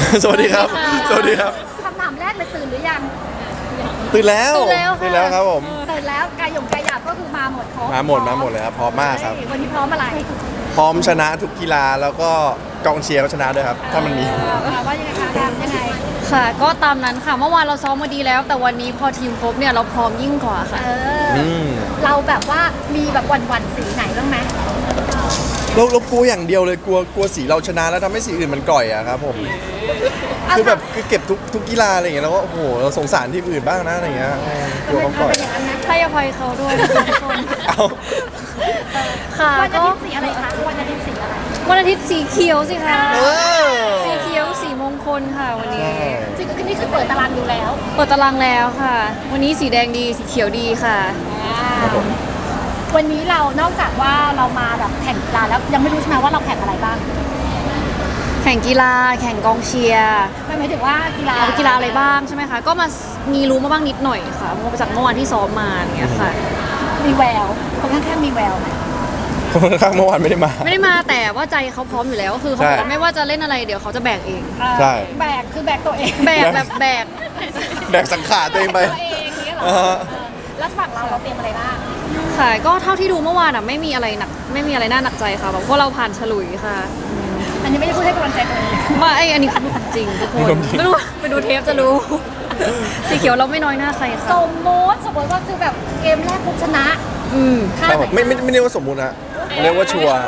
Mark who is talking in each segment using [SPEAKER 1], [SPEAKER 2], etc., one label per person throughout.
[SPEAKER 1] สวัสดีครับสวัสดีครับ
[SPEAKER 2] คำถามแรกเลยตื่นหรือยัง
[SPEAKER 1] ตื่นแล้วครับผม
[SPEAKER 2] ตื่นแล้วกายหยงกายหยาบก็คือมาหมดครบ
[SPEAKER 1] มาหมดเลยครับพร้อมมากครับ
[SPEAKER 2] วันนี้พร้อมอะไร
[SPEAKER 1] พร้อมชนะทุกกีฬาแล้วก็กองเชียร์ก็ชนะด้วยครับถ้ามันมี
[SPEAKER 2] ว่ายังไงคะยังไง
[SPEAKER 3] ค่ะก็ตามนั้นค่ะเมื่อวานเราซ้อมมาดีแล้ว แต่วันนี้พอทีมครบเนี่ยเราพร้อมยิ่งกว่าค่ะ
[SPEAKER 2] เราแบบว่ามีแบบวันสีไหนบ้างไหม
[SPEAKER 1] เรากลัวอย่างเดียวเลยกลัวสีเราชนะแล้วทำให้สีอื่นมันก่อยอะครับผมคือแบบคือเก็บทุกกีฬาอะไรอย่างเงี้ยแล้วก็โอ้โหเราสงสารทีมอื่นบ้างนะอะไรเงี้ยกลัวเขาก่อย
[SPEAKER 3] ให้อภัยเขาด้วยทุกคนค่ะ
[SPEAKER 2] วันอาทิตย์สีอะไรคะวันอาทิตย์สีอะไร
[SPEAKER 3] วันอาทิตย์สีเขียวสิคะสีเขียวสีมงคลค่ะวันนี้
[SPEAKER 2] จริงๆนี่คือเปิดตารางดูแล้ว
[SPEAKER 3] เปิดตารางแล้วค่ะวันนี้สีแดงดีสีเขียวดีค่ะ
[SPEAKER 2] วันนี้เรานอกจากว่าเรามาแบบแข่งกีฬาแล้วยังไม่รู้ใช่ไหมว่าเราแข่งอะไรบ้าง
[SPEAKER 3] แข่งกีฬาแข่งกองเชียร์
[SPEAKER 2] หมายถึงว่ากี
[SPEAKER 3] ฬาอะไรบ้างใช่ไหมคะก็มามีรู้มาบ้างนิดหน่อยค่ะเพราะจากเมื่อวานที่ซ้อมมาอย่างเงี้ยค่ะ
[SPEAKER 2] มีแววคนข้างๆมีแววไหม
[SPEAKER 1] คนข้างเมื่อวานไม่ได้มา
[SPEAKER 3] แต่ว่าใจเขาพร้อมอยู่แล้วคือเขาบอกไม่ว่าจะเล่นอะไรเดี๋ยวเขาจะแบกเอง
[SPEAKER 1] ใช่
[SPEAKER 2] แบกคือแบกตัวเอง
[SPEAKER 3] แบกแบบแ
[SPEAKER 1] บกสังขารตัวเองไป
[SPEAKER 2] แล้วฝั่งเราเตรียมอะไรบ้าง
[SPEAKER 3] ค่ะก็เท่าที่ดูเมื่อวานอ่ะไม่มีอะไรหนักไม่มีอะไรน่าหนักใจค่ะเพราะเราผ่านฉลุยค่ะ
[SPEAKER 2] อันนี้ไม่ได้พูดให้กำลังใจตัวเอง
[SPEAKER 3] ว่าอันนี้คือจริงทุกคนไม่รู้ไปดูเทปจะรู้สีเขียวเราไม่น้อยหน้าใครค่ะ
[SPEAKER 2] สมมติว่าคือแบบเกมแรกปุ๊บชนะ
[SPEAKER 1] ไม่เรียกว่าสมมุตินะเรียกว่าชัวร์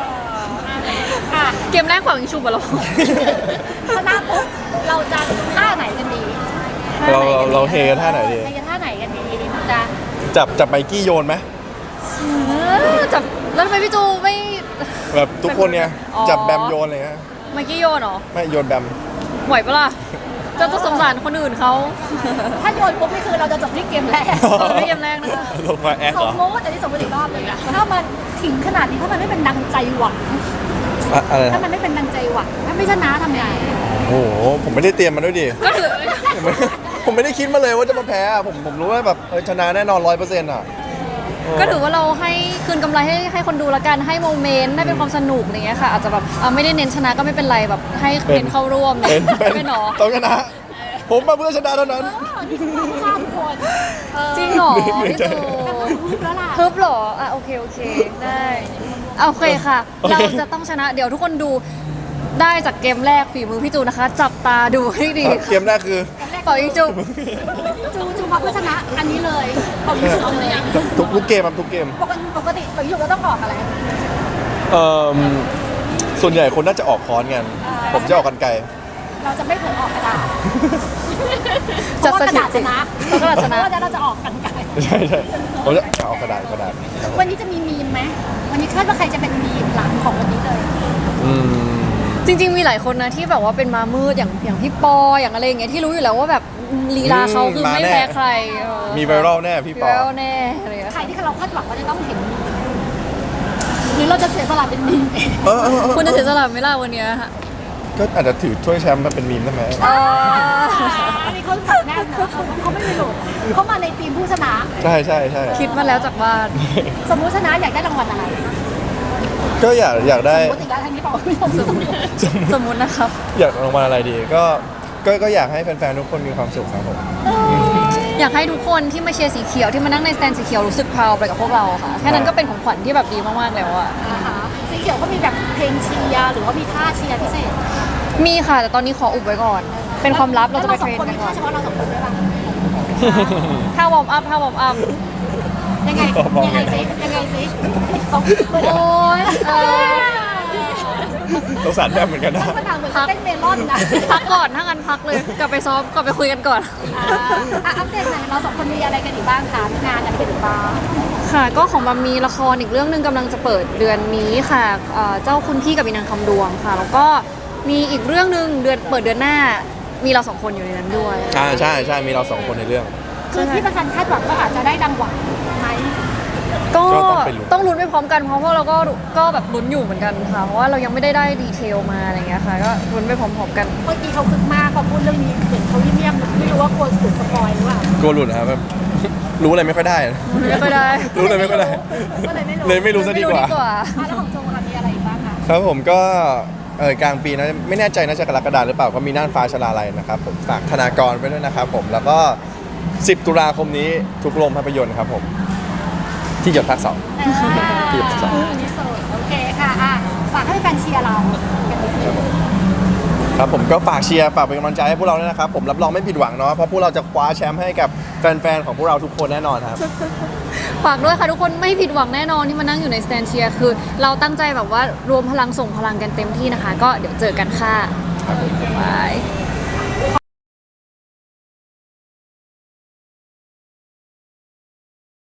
[SPEAKER 3] เกมแรกกว่ายิงชูบอล
[SPEAKER 2] ชนะปุ๊บเราจะท่าไหนกันดี
[SPEAKER 1] เราเฮกันท่าไหนดี
[SPEAKER 2] จะ
[SPEAKER 1] จับไมกี้โยนไหม
[SPEAKER 3] จับแล้วทำไมพี่จูไม่
[SPEAKER 1] แบบทุกคนเนี่ยจับแบมโยนอะไรเงี้ย
[SPEAKER 3] ไมกี้โยนเหรอ
[SPEAKER 1] ไม่โยนแบม
[SPEAKER 3] ไหวปะล่ะจะต้องสงสารคนอื่นเขา
[SPEAKER 2] ถ้าโยนปุ๊บนี่คือเราจะจบที่เกมแรก
[SPEAKER 3] ไม่เกมแรกนะคะ
[SPEAKER 1] ลงมาแอคเหรอ
[SPEAKER 2] สมมติอันนี้สมมติอีกรอบเลยนะถ้ามันถึงขนาดนี้ถ้ามันไม่เป็นดังใจหวังถ้ามันไม่เป็นดังใจหวังถ้าไม่ชนะทำไง
[SPEAKER 1] โอ้โหผมไม่ได้เตรียมมันด้วยดิผมไม่ได้คิดมาเลยว่าจะมาแพ้ผมรู้ว่าแบบชนะแน่นอน100%อ่ะ
[SPEAKER 3] ก็ถือว่าเราให้คืนกำไรให้คนดูละกันให้โมเมนต์ให้เป็นความสนุกอะไรเงี้ยค่ะอาจจะแบบไม่ได้เน้นชนะก็ไม่เป็นไรแบบให้เน้นเข้าร่วม
[SPEAKER 1] เป็นหรอต้องชนะผมมาเพื่อชนะเท่านั้น
[SPEAKER 3] จริงหรอพี่ตูฮึบหรอโอเคได้โอเคค่ะเราจะต้องชนะเดี๋ยวทุกคนดูได้จากเกมแรกฝีมือพี่จูนะคะจับตาดูให้ดี
[SPEAKER 1] เกมแรกคือ
[SPEAKER 3] เป่ายิงจู
[SPEAKER 2] มาเพื่อชนะอันนี้เลยเป่ายิงจูเลย
[SPEAKER 1] ทุกเกมครับทุกเกม
[SPEAKER 2] ปกติเป่ายิงจูเราต้องออกอะไร
[SPEAKER 1] ส่วนใหญ่คนน่าจะออกค้อนกันผมจะออกกันไกล
[SPEAKER 2] เราจะไม่เผลอออกกระดาษ
[SPEAKER 3] จะ
[SPEAKER 2] กระดาษชนะ
[SPEAKER 3] เพราะ
[SPEAKER 2] เราจะออกกันไกล
[SPEAKER 1] ใช่ผมจะออกกระดาษ
[SPEAKER 2] วันนี้จะมีมีมไหมวันนี้คาดว่าใครจะเป็นมีมหลังของวันนี้เลย
[SPEAKER 3] จริงๆมีหลายคนนะที่แบบว่าเป็นมามืดอย่างพี่ปออย่างอะไรอย่างเงี้ยที่รู้อยู่แล้วว่าแบบลีลาเขาคือไม่แพ้ใคร
[SPEAKER 1] มีไวรัลแน่พี่ปอ
[SPEAKER 3] แน่อะไร
[SPEAKER 2] ใครที่เราคาดหวังว่าจะต้องเห็นหรือเราจะเสียสละเป็นมีม
[SPEAKER 3] คุณจะเสียสละไหมล่ะวันนี้
[SPEAKER 1] ก็อาจจะถือถ้วยแชมป์มาเป็นมีมได้ไหม
[SPEAKER 2] อันนี้เขาสับแน่นะเขาไม่มีหลุดเขามาในทีมผู้ชนะ
[SPEAKER 1] ใช่
[SPEAKER 3] คิดมาแล้วจากบ้าน
[SPEAKER 2] สมมุติชนะอยากได้รางวัลอะไร
[SPEAKER 1] ก็อยากได้
[SPEAKER 2] สมมติทางนี้บอก
[SPEAKER 3] สมมตินะครับ
[SPEAKER 1] อยากรางวัลอะไรดีก็อยากให้แฟนๆทุกคนมีความสุขครับผม
[SPEAKER 3] อยากให้ทุกคนที่มาเชียร์สีเขียวที่มานั่งในสแตนสีเขียวรู้สึกพราวไปกับพวกเราค่ะแค่นั้นก็เป็นของขวัญที่แบบดีมากๆแล้วอะ
[SPEAKER 2] สีเขียวก็มีแบบเพลงเชียร์หรือว่ามีท่าเชียร์พิเศษ
[SPEAKER 3] มีค่ะแต่ตอนนี้ขออุบไว้ก่อนเป็นความลับเราจะไปเทรนกันก่อน
[SPEAKER 2] เฉพาะเราสองคนด้วยป่ะ
[SPEAKER 3] ถ้าวอร์มอัพ
[SPEAKER 2] ยังไงซิ
[SPEAKER 3] โอ๊ย
[SPEAKER 1] สงสารแม่เหมือนกันนะ
[SPEAKER 2] พักเต้นเมลอนนะ
[SPEAKER 3] พักก่อนถ้างั้นพักเลยกลับไปซ้อมกลับไปคุยกันก่อน
[SPEAKER 2] อัปเดตหน่อยเราสองคนมีอะไรกันอีกบ้างคะงานอะไรกันอีกบ้าง
[SPEAKER 3] ค่ะก็ของบัมมีละครอีกเรื่องนึงกำลังจะเปิดเดือนนี้ค่ะเจ้าคุณพี่กับอีนางคำดวงค่ะแล้วก็มีอีกเรื่องนึงเปิดเดือนหน้ามีเราสองคนอยู่ในนั้นด้วย
[SPEAKER 1] ใช่มีเราสองคนในเรื่อง
[SPEAKER 2] คือที่ประธานคาดหวังก็อาจจะได้ดังหวังไหม
[SPEAKER 3] ก็ต้องลุ้นไปพร้อมกันเพราะว่าเราก็แบบลุ้นอยู่เหมือนกันค่ะเพราะว่าเรายังไม่ได้ดีเทลมาอะไรเงี้ยค่ะก็ลุ้นไปพร้อมๆกัน
[SPEAKER 2] เมื่อกี้เขาคึกมากพอพูดเรื่องนี้เห็นเขาเงียบๆไม่รู้ว่ากลัวสุดสปอยหรือเปล่าก
[SPEAKER 1] ลัวหลุดครับแบบรู้อะไรไม่ค่อยได้รู้อะไรไม่ค่อยได้เลยไม่รู้ซะดีกว่า
[SPEAKER 2] แล้วของโจมีอะไรบ้างคะ
[SPEAKER 1] ครับผมก็กลางปีนะไม่แน่ใจน่าจะกรกฎาหรือเปล่าก็มีน่านฟ้าชลาลัยนะครับผมฝากธนากรไปด้วยนะครับผมแล้วก็ 10 ตุลาคมนี้ทุกโรงภาพยนตร์ครับผมที่หยดภาค 2 ที่สอง
[SPEAKER 2] ที่สุดโอเคค่ะอ่ะฝากให้แฟนเชียร์เรากันนิดนึง
[SPEAKER 1] ครับผมก็ฝากเชียร์ฝากเป็นกำลังใจให้พวกเราด้วยนะครับผมรับรองไม่ผิดหวังเนาะเพราะพวกเราจะคว้าแชมป์ให้กับแฟนๆของพวกเราทุกคนแน่นอนครับ
[SPEAKER 3] ฝากด้วยค่ะทุกคนไม่ผิดหวังแน่นอนที่มานั่งอยู่ในสแตนเชียร์คือเราตั้งใจแบบว่ารวมพลังส่งพลังกันเต็มที่นะคะ ก็เดี๋ยวเจอกันค่ะบาย